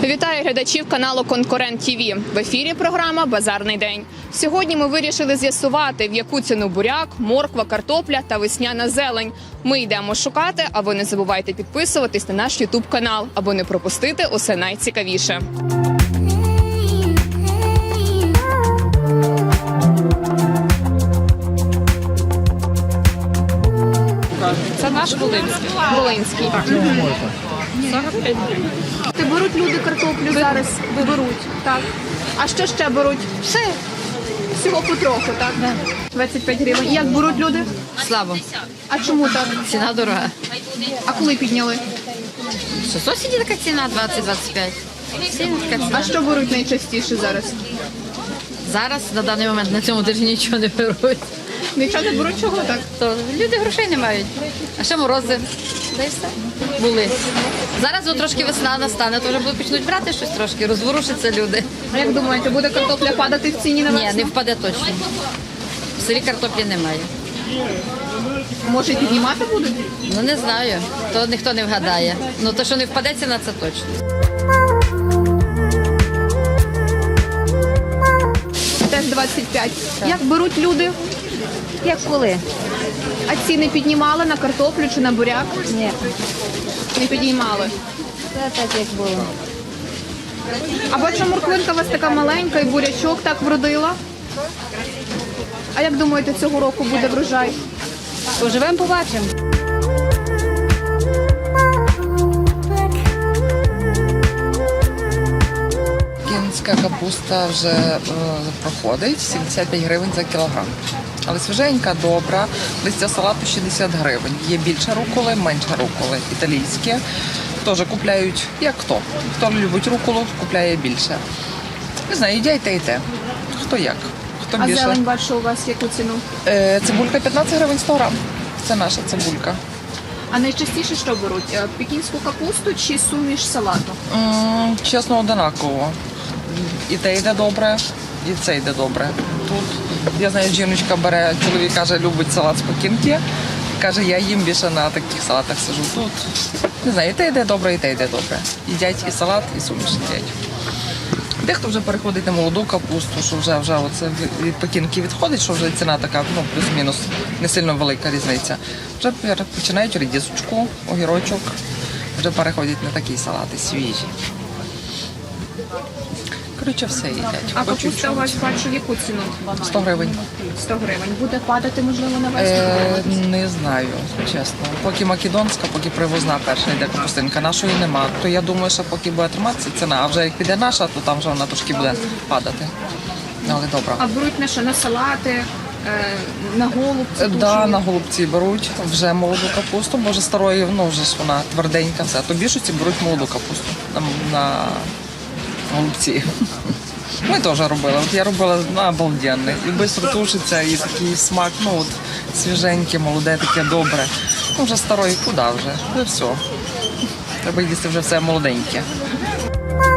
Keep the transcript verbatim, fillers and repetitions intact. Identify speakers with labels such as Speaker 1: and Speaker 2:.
Speaker 1: Вітаю глядачів каналу Конкурент ТІВІ. В ефірі програма «Базарний день». Сьогодні ми вирішили з'ясувати, в яку ціну буряк, морква, картопля та весняна зелень. Ми йдемо шукати, а ви не забувайте підписуватись на наш ютуб канал, аби не пропустити усе найцікавіше.
Speaker 2: Це наш Волинський.
Speaker 1: Волинський.
Speaker 2: сорок п'ять гривень.
Speaker 1: Ти беруть люди картоплю зараз? Беруть. Так. А що ще беруть?
Speaker 2: Все.
Speaker 1: Всього потроху, так? двадцять п'ять гривень. Як беруть люди?
Speaker 2: Слабо.
Speaker 1: А чому так?
Speaker 2: Ціна дорога.
Speaker 1: А коли підняли?
Speaker 2: Що сусіді така ціна двадцять - двадцять п'ять. Всім така ціна.
Speaker 1: А що беруть найчастіше зараз?
Speaker 2: Зараз на даний момент на цьому тижні нічого не беруть.
Speaker 1: Нічого не беруть, чого так?
Speaker 2: То люди грошей не мають. А ще морози. Та й все. Були. Зараз от трошки весна настане, то вже будуть почнуть брати щось трошки, розворушаться люди.
Speaker 1: А як думаєте, буде картопля падати в ціні на
Speaker 2: Ні,
Speaker 1: весну?
Speaker 2: не впаде точно. В селі картоплі немає.
Speaker 1: Може, і піднімати будуть?
Speaker 2: Ну не знаю, то ніхто не вгадає. Ну то, що не впаде ціна, це точно.
Speaker 1: Теж двадцять п'ять. Як беруть люди?
Speaker 3: Як коли?
Speaker 1: А ціни піднімали на картоплю чи на буряк?
Speaker 3: Ні,
Speaker 1: Не піднімали.
Speaker 3: це так як було.
Speaker 1: А бачу, морквинка у вас така маленька і бурячок так вродила. А як думаєте, цього року буде врожай?
Speaker 3: Поживемо, побачимо.
Speaker 4: Кінська капуста вже е, проходить сімдесят п'ять гривень за кілограм. Але свіженька, добра, листя салату шістдесят гривень. Є більше руколи, менше руколи. Італійські теж купляють, як хто. Хто любить руколу, купляє більше. Не знаю, їдять те і те. Хто як, хто
Speaker 1: А
Speaker 4: більше.
Speaker 1: зелень бачу у вас яку ціну?
Speaker 4: Е, цибулька п'ятнадцять гривень сто грам. Це наша цибулька.
Speaker 1: А найчастіше що беруть? Е, Пекінську капусту чи суміш салату?
Speaker 4: М, Чесно, одинаково. І те йде добре, і це йде добре. Тут, я знаю, жіночка бере, чоловік каже, любить салат з пекінки. Каже, я їм більше на таких салатах сижу. Тут, не знаю, і те йде добре, і те йде добре. Їдять і салат, і суміш їдять. Дехто вже переходить на молоду капусту, що вже, вже оце від пекінки відходить, що вже ціна така, ну, плюс-мінус, не сильно велика різниця. Вже починають редисочку, огірочок, вже переходять на такі салати свіжі. Коротше, все їдять.
Speaker 1: А
Speaker 4: По
Speaker 1: капуста
Speaker 4: чуть-чуть.
Speaker 1: у вас бачу яку ціну?
Speaker 4: сто гривень.
Speaker 1: сто гривень. Буде падати, можливо, на весну?
Speaker 4: Е, не знаю, чесно. Поки македонська, поки привозна перша йде капустинка, нашої нема. То я думаю, що поки буде триматися ціна, а вже як піде наша, то там вже вона трошки буде падати. Але добре.
Speaker 1: А беруть на що? На салати, е, на голубці?
Speaker 4: Е, Да, на голубці беруть вже молоду капусту, бо вже старої, ну вже ж вона тверденька, все. То більшості беруть молоду капусту на, на голубці. Ми теж робили. От я робила на обалденне. І швидко тушиться, і такий смак, ну от свіженьке, молоде, таке добре. Ну вже старої, куди вже? Вже все. Треба їсти вже все молоденьке.